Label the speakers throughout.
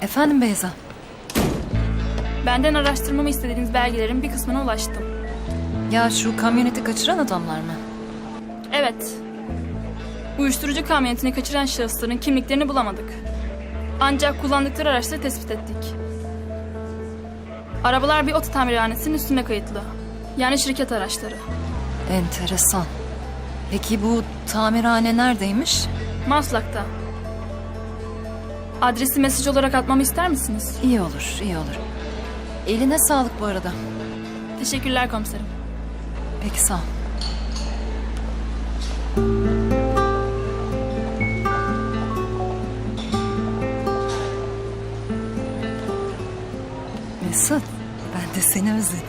Speaker 1: Efendim Beyza?
Speaker 2: Benden araştırmamı istediğiniz belgelerin bir kısmına ulaştım.
Speaker 1: Ya şu kamyoneti kaçıran adamlar mı?
Speaker 2: Evet. Uyuşturucu kamyonetini kaçıran şahısların kimliklerini bulamadık. Ancak kullandıkları araçları tespit ettik. Arabalar bir oto tamirhanesinin üstünde kayıtlı. Yani şirket araçları.
Speaker 1: Enteresan. Peki bu tamirhane neredeymiş?
Speaker 2: Maslak'ta. Adresi mesaj olarak atmamı ister misiniz?
Speaker 1: İyi olur, iyi olur. Eline sağlık bu arada.
Speaker 2: Teşekkürler komiserim.
Speaker 1: Peki sağ ol. Mesut, ben de seni özledim.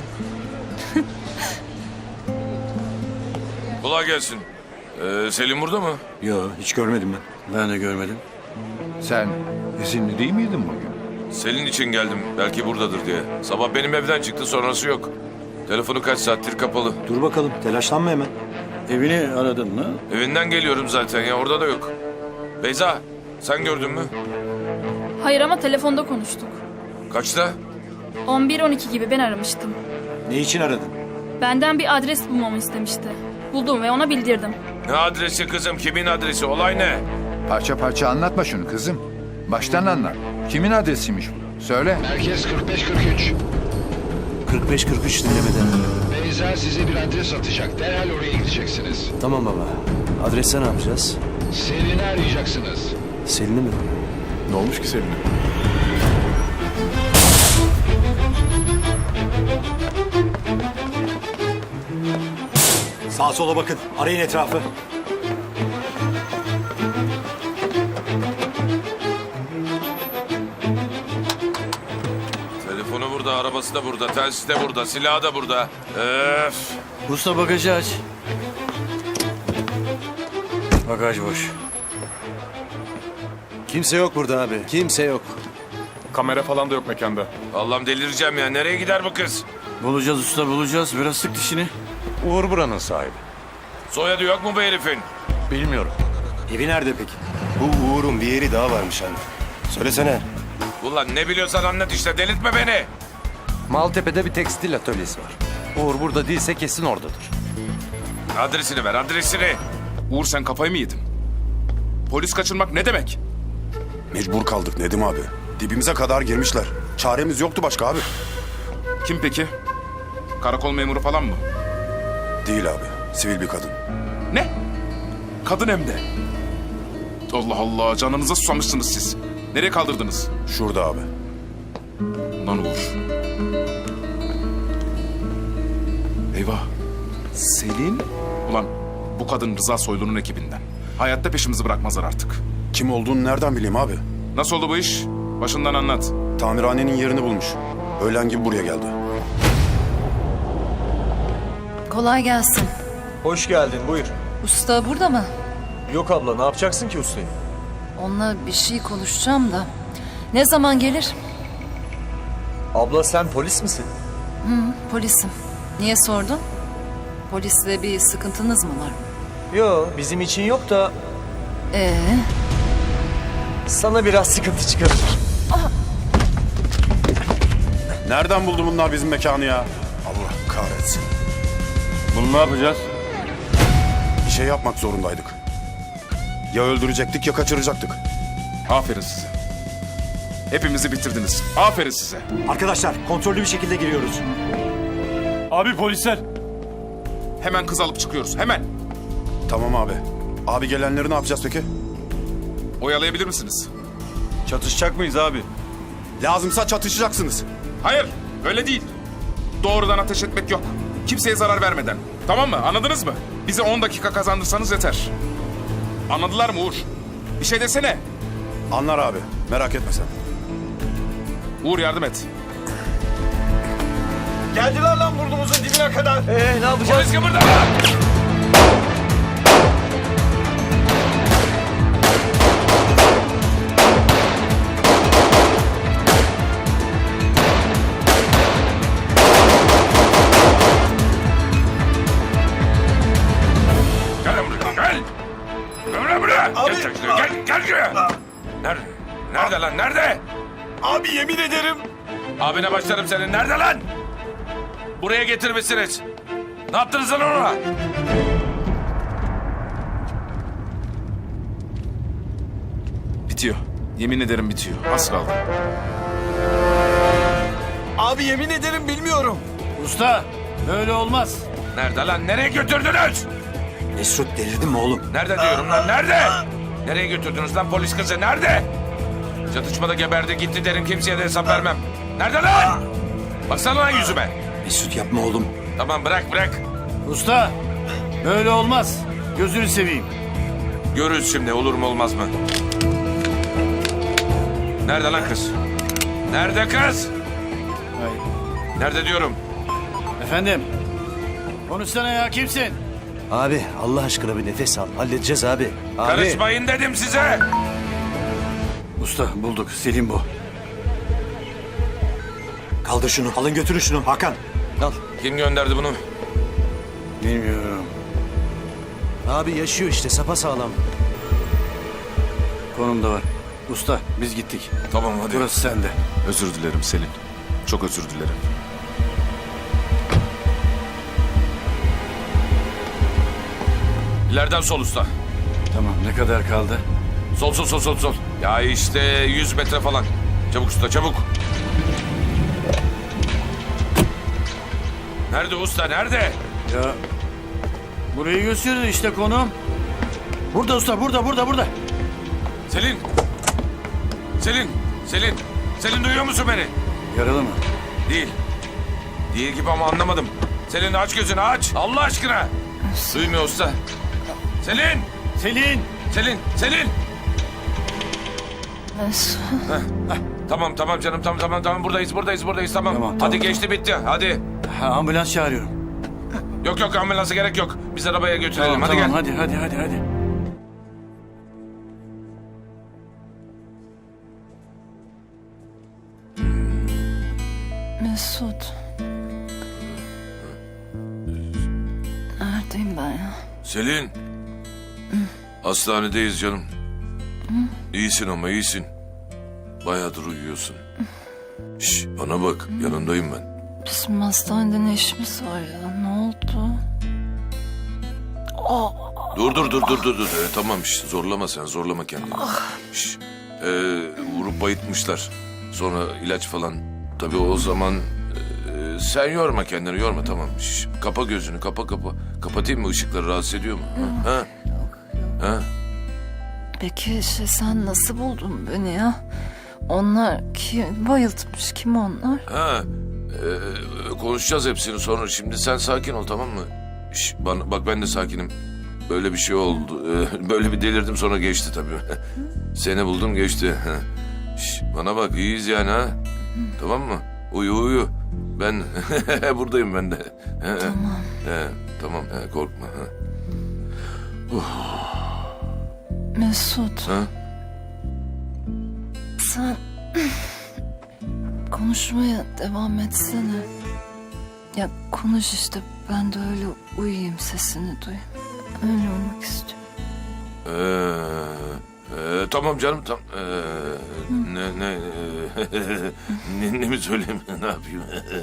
Speaker 3: Kolay gelsin. Selim burada mı?
Speaker 4: Yo, hiç görmedim ben.
Speaker 5: Ben de görmedim.
Speaker 4: Sen izinli değil miydin bugün?
Speaker 3: Selin için geldim. Belki buradadır diye. Sabah benim evden çıktı, sonrası yok. Telefonu kaç saattir kapalı.
Speaker 4: Dur bakalım, telaşlanma hemen.
Speaker 5: Evini aradın mı?
Speaker 3: Evinden geliyorum zaten ya, orada da yok. Beyza, sen gördün mü?
Speaker 2: Hayır ama telefonda konuştuk.
Speaker 3: Kaçta?
Speaker 2: 11-12 gibi ben aramıştım.
Speaker 4: Ne için aradın?
Speaker 2: Benden bir adres bulmamı istemişti. Buldum ve ona bildirdim.
Speaker 3: Ne adresi kızım, kimin adresi, olay ne?
Speaker 6: Parça parça anlatma şunu kızım. Baştan anlat. Kimin adresiymiş bu? Söyle.
Speaker 7: Merkez 45-43.
Speaker 5: 45-43 dinlemeden.
Speaker 7: Beyza size bir adres atacak. Derhal oraya gideceksiniz.
Speaker 5: Tamam baba. Adreste ne yapacağız?
Speaker 7: Selin'i arayacaksınız.
Speaker 5: Selin'i mi?
Speaker 4: Ne olmuş ki senin? Sağa sola bakın, arayın etrafı.
Speaker 3: Telefonu burada, arabası da burada, telsiz de burada, silahı da burada. Öf!
Speaker 5: Usta bagajı aç. Bagaj boş. Kimse yok burada abi. Kimse yok.
Speaker 8: Kamera falan da yok mekanda.
Speaker 3: Allah'ım delireceğim ya, nereye gider bu kız?
Speaker 5: Bulacağız usta bulacağız. Biraz sık dişini.
Speaker 8: Uğur buranın sahibi.
Speaker 3: Soyadı yok mu bu herifin?
Speaker 8: Bilmiyorum.
Speaker 4: Evi nerede peki?
Speaker 9: Bu Uğur'un bir yeri daha varmış hani. Söylesene.
Speaker 3: Ulan ne biliyorsan anlat işte, delirtme beni.
Speaker 8: Maltepe'de bir tekstil atölyesi var. Uğur burada değilse kesin oradadır.
Speaker 3: Adresini ver, adresini.
Speaker 8: Uğur sen kafayı mı yedin? Polis kaçırmak ne demek?
Speaker 9: Mecbur kaldık Nedim abi. Dibimize kadar girmişler. Çaremiz yoktu başka abi.
Speaker 8: Kim peki? Karakol memuru falan mı?
Speaker 9: Değil abi. Sivil bir kadın.
Speaker 8: Ne? Kadın hem de. Allah Allah, canınıza susamışsınız siz. Nereye kaldırdınız?
Speaker 9: Şurada abi.
Speaker 8: Lan Uğur. Eyvah. Selin? Ulan bu kadın Rıza Soylu'nun ekibinden. Hayatta peşimizi bırakmazlar artık.
Speaker 9: Kim olduğunu nereden bileyim abi?
Speaker 8: Nasıl oldu bu iş? Başından anlat.
Speaker 9: Tamirhanenin yerini bulmuş. Öğlen gibi buraya geldi.
Speaker 1: Kolay gelsin.
Speaker 10: Hoş geldin, buyur.
Speaker 1: Usta burada mı?
Speaker 10: Yok abla, ne yapacaksın ki ustayı?
Speaker 1: Onunla bir şey konuşacağım da. Ne zaman gelir?
Speaker 10: Abla sen polis misin?
Speaker 1: Polisim. Niye sordun? Polisle bir sıkıntınız mı var?
Speaker 10: Yo, bizim için yok da
Speaker 1: Ee,
Speaker 10: sana biraz sıkıntı çıkarır.
Speaker 9: Nereden buldu bunlar bizim mekanı ya? Allah kahretsin.
Speaker 5: Bunu ne yapacağız?
Speaker 9: Bir şey yapmak zorundaydık. Ya öldürecektik ya kaçıracaktık.
Speaker 8: Aferin size. Hepimizi bitirdiniz. Aferin size.
Speaker 4: Arkadaşlar, kontrollü bir şekilde giriyoruz.
Speaker 5: Abi polisler.
Speaker 8: Hemen kız alıp çıkıyoruz. Hemen.
Speaker 9: Tamam abi. Abi gelenleri ne yapacağız peki?
Speaker 8: Oyalayabilir misiniz?
Speaker 5: Çatışacak mıyız abi?
Speaker 9: Lazımsa çatışacaksınız.
Speaker 8: Hayır. Öyle değil. Doğrudan ateş etmek yok. Kimseye zarar vermeden. Tamam mı? Anladınız mı? Bize 10 dakika kazandırsanız yeter. Anladılar mı Uğur? Bir şey desene.
Speaker 9: Anlar abi. Merak etme sen.
Speaker 8: Uğur yardım et.
Speaker 10: Geldiler lan burnumuzun dibine kadar. Ne yapacağız?
Speaker 3: Polis kıpırda! Gel lan buraya, gel! Gel lan buraya!
Speaker 10: Abi,
Speaker 3: Gel şuraya, gel şuraya! Nerede? Nerede lan, nerede?
Speaker 10: Abi yemin ederim.
Speaker 3: Abine başlarım senin. Nerede lan? Buraya getirmişsiniz. Ne yaptınız lan ona?
Speaker 8: Bitiyor. Yemin ederim bitiyor. Az kaldı.
Speaker 10: Abi yemin ederim bilmiyorum.
Speaker 5: Usta böyle olmaz.
Speaker 3: Nerede lan? Nereye götürdünüz?
Speaker 4: Mesut delirdin mi oğlum?
Speaker 3: Nerede diyorum lan? Nerede? Nereye götürdünüz lan polis kızı? Nerede? Çatışmada geberdi gitti derim, kimseye de hesap vermem. Nerede lan? Baksana lan yüzüme.
Speaker 4: Mesut yapma oğlum.
Speaker 3: Tamam bırak.
Speaker 5: Usta böyle olmaz. Gözünü seveyim.
Speaker 3: Görürüz şimdi, olur mu olmaz mı? Nerede lan kız? Nerede kız?
Speaker 5: Hayır.
Speaker 3: Nerede diyorum?
Speaker 5: Efendim. Konuşsana ya, kimsin?
Speaker 10: Abi Allah aşkına bir nefes al. Halledeceğiz abi. Abi.
Speaker 3: Karışmayın dedim size.
Speaker 5: Usta bulduk, Selim bu.
Speaker 4: Kaldır şunu. Alın götürün şunu Hakan.
Speaker 10: Al.
Speaker 3: Kim gönderdi bunu?
Speaker 5: Bilmiyorum.
Speaker 10: Abi yaşıyor işte sapasağlam.
Speaker 5: Konumda var. Usta biz gittik.
Speaker 3: Tamam hadi.
Speaker 5: Burası sende.
Speaker 8: Özür dilerim Selin. Çok özür dilerim.
Speaker 3: İleriden sol usta.
Speaker 5: Tamam, ne kadar kaldı?
Speaker 3: Sol. Ya işte 100 metre falan. Çabuk usta çabuk. Nerede usta nerede?
Speaker 5: Ya burayı gösteriyor işte konum. Burada usta, burada.
Speaker 3: Selin duyuyor musun beni?
Speaker 5: Yaralı mı?
Speaker 3: Değil gibi ama anlamadım. Selin aç gözünü aç. Allah aşkına. Duymuyor usta. Selin.
Speaker 1: Mesut.
Speaker 3: Tamam canım tamam buradayız tamam.
Speaker 5: Tamam.
Speaker 3: Hadi geçti bitti hadi.
Speaker 5: Ha, ambulans çağırıyorum.
Speaker 3: Yok ambulansa gerek yok. Biz arabaya götürelim hadi
Speaker 5: Tamam,
Speaker 3: gel.
Speaker 5: hadi.
Speaker 1: Mesut. Neredeyim ben ya?
Speaker 3: Selin. Hastanedeyiz canım. İyisin ama iyisin. Bayağıdır uyuyorsun. Şş, bana bak yanındayım ben.
Speaker 1: Bizim hastanede ne işimiz var ya? Ne oldu?
Speaker 3: Dur. Tamam şş, zorlama kendini. Şş, vurup bayıtmışlar. Sonra ilaç falan. Tabii o zaman sen yorma kendini yorma tamam. Şş, kapa gözünü kapa. Kapatayım mı, ışıkları rahatsız ediyor mu? Ha?
Speaker 1: Peki sen nasıl buldun beni ya? Onlar kim bayıltmış? Kim onlar?
Speaker 3: Konuşacağız hepsini sonra. Şimdi sen sakin ol tamam mı? Şş, bak ben de sakinim. Böyle bir şey oldu. Böyle bir delirdim sonra geçti tabii. Seni buldum geçti. Şş, bana bak iyiyiz yani ha. Tamam mı? Uyu. Ben buradayım ben de.
Speaker 1: Tamam.
Speaker 3: Tamam korkma.
Speaker 1: Mesut.
Speaker 3: Ha?
Speaker 1: Sen konuşmaya devam etsene. Ya konuş işte, ben de öyle uyuyayım, sesini duyayım. Öyle uyumak istiyorum.
Speaker 3: Tamam canım tam. Ne mi söyleyeyim ne yapayım?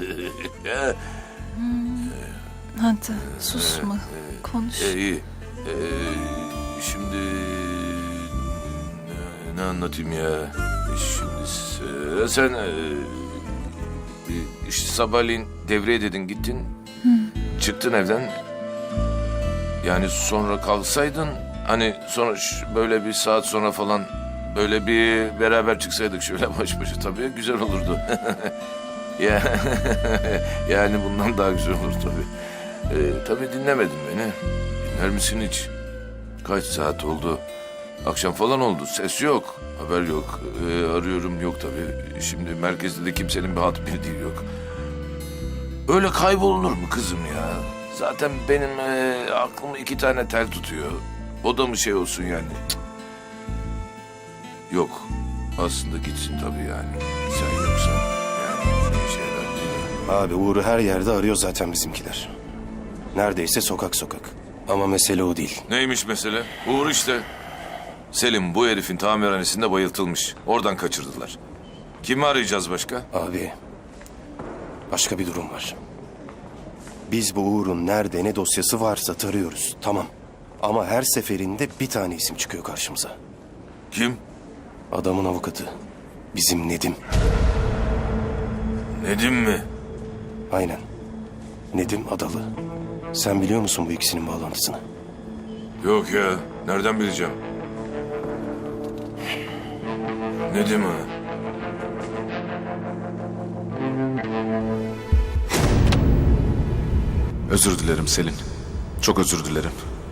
Speaker 1: Hadi susma, konuş.
Speaker 3: İyi. Şimdi ne anlatayım ya? Şimdi sen işte sabahleyin devreye dedin gittin. Çıktın evden. Yani sonra kalksaydın hani sonra böyle bir saat sonra falan böyle bir beraber çıksaydık şöyle baş başa tabii güzel olurdu. Ya yani bundan daha güzel olur tabii. Tabii dinlemedin beni. Dinler misin hiç? Kaç saat oldu? Akşam falan oldu. Ses yok. Haber yok. Arıyorum yok tabii. Şimdi merkezde de kimsenin bir hat bildiği yok. Öyle kaybolunur mu kızım ya? Zaten benim aklım 2 tane tel tutuyor. O da mı şey olsun yani? Cık. Yok. Aslında gitsin tabii yani. Sen yoksan yani şeyler değil mi?
Speaker 9: Abi Uğur'u her yerde arıyor zaten bizimkiler. Neredeyse sokak. Ama mesele o değil.
Speaker 3: Neymiş mesele? Uğur işte. Selim bu herifin tamirhanesinde bayıltılmış. Oradan kaçırdılar. Kimi arayacağız başka?
Speaker 9: Abi, başka bir durum var. Biz bu Uğur'un nerede ne dosyası varsa tarıyoruz. Tamam. Ama her seferinde bir tane isim çıkıyor karşımıza.
Speaker 3: Kim?
Speaker 9: Adamın avukatı. Bizim Nedim.
Speaker 3: Nedim mi?
Speaker 9: Aynen. Nedim Adalı. Sen biliyor musun bu ikisinin bağlantısını?
Speaker 3: Yok ya. Nereden bileceğim? Nedim ha?
Speaker 8: Özür dilerim Selin. Çok özür dilerim.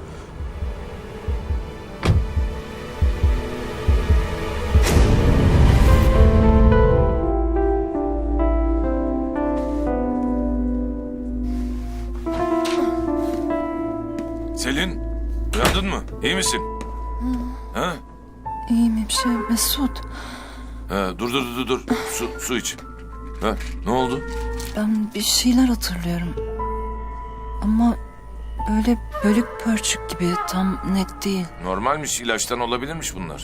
Speaker 3: Selin, uyandın mı? İyi misin? Ha?
Speaker 1: İyiyim bir şey Mesut.
Speaker 3: Ha, dur. Su iç. Ha, ne oldu?
Speaker 1: Ben bir şeyler hatırlıyorum. Ama böyle bölük pörçük gibi tam net değil.
Speaker 3: Normalmiş, ilaçtan olabilirmiş bunlar.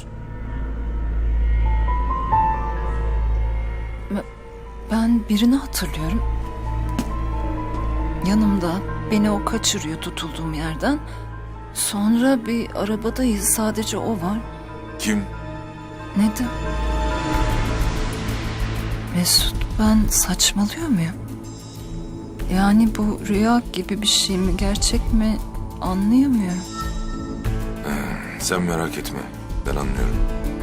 Speaker 1: Ben birini hatırlıyorum. Yanımda beni o kaçırıyor tutulduğum yerden. Sonra bir arabadayız sadece o var.
Speaker 3: Kim?
Speaker 1: Nedim. Mesut ben saçmalıyor muyum? Yani bu rüya gibi bir şey mi gerçek mi anlayamıyorum.
Speaker 3: Sen merak etme. Ben anlıyorum.